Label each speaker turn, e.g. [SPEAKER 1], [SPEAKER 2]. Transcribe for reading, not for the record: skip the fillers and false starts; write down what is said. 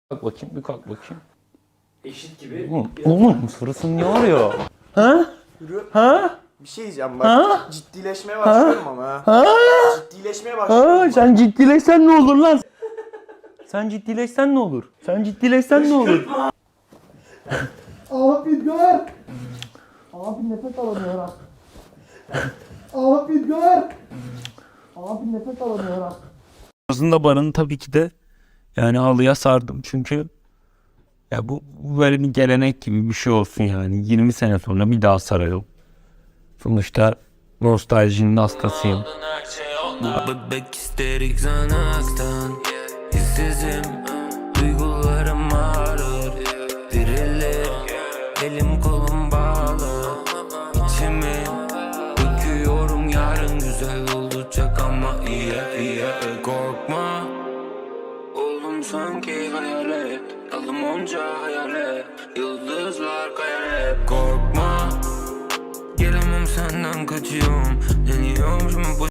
[SPEAKER 1] Kalk bakayım, bir kalk bakayım.
[SPEAKER 2] Eşit gibi.
[SPEAKER 1] Oğlum sırasın ne arıyor? Ha?
[SPEAKER 2] Yürü.
[SPEAKER 1] Ha?
[SPEAKER 2] Bir şey diyeceğim bak.
[SPEAKER 1] Ha?
[SPEAKER 2] Ciddileşmeye başlıyorum ama ha.
[SPEAKER 1] Ha?
[SPEAKER 2] Ciddileşmeye başlıyorum.
[SPEAKER 1] Ha? Sen ciddileşsen ne olur lan? Sen ciddileşsen ne olur? Sen ciddileşsen ne olur?
[SPEAKER 2] Abi dur. Abi nefes alamıyorum. Abi dur. Abi nefes alamıyorum.
[SPEAKER 1] Aslında Baran'ı tabii ki de yani halıya sardım çünkü ya bu böyle bir gelenek gibi bir şey olsun yani 20 sene sonra bir daha sarayım. Sonuçta nostaljinin hastasıyım.
[SPEAKER 3] Bebek isterik zanaktan. Hissizim, duygularım ağrır. Dirilir, elim kolum bağlı. İçimi döküyorum, yarın güzel olacak ama iyi. Korkma, oldum sanki hayalet. Dalım onca hayalet, yıldızlar kayar hep. Korkma, gelemem senden kaçıyorum. Deniyorum şimdi bu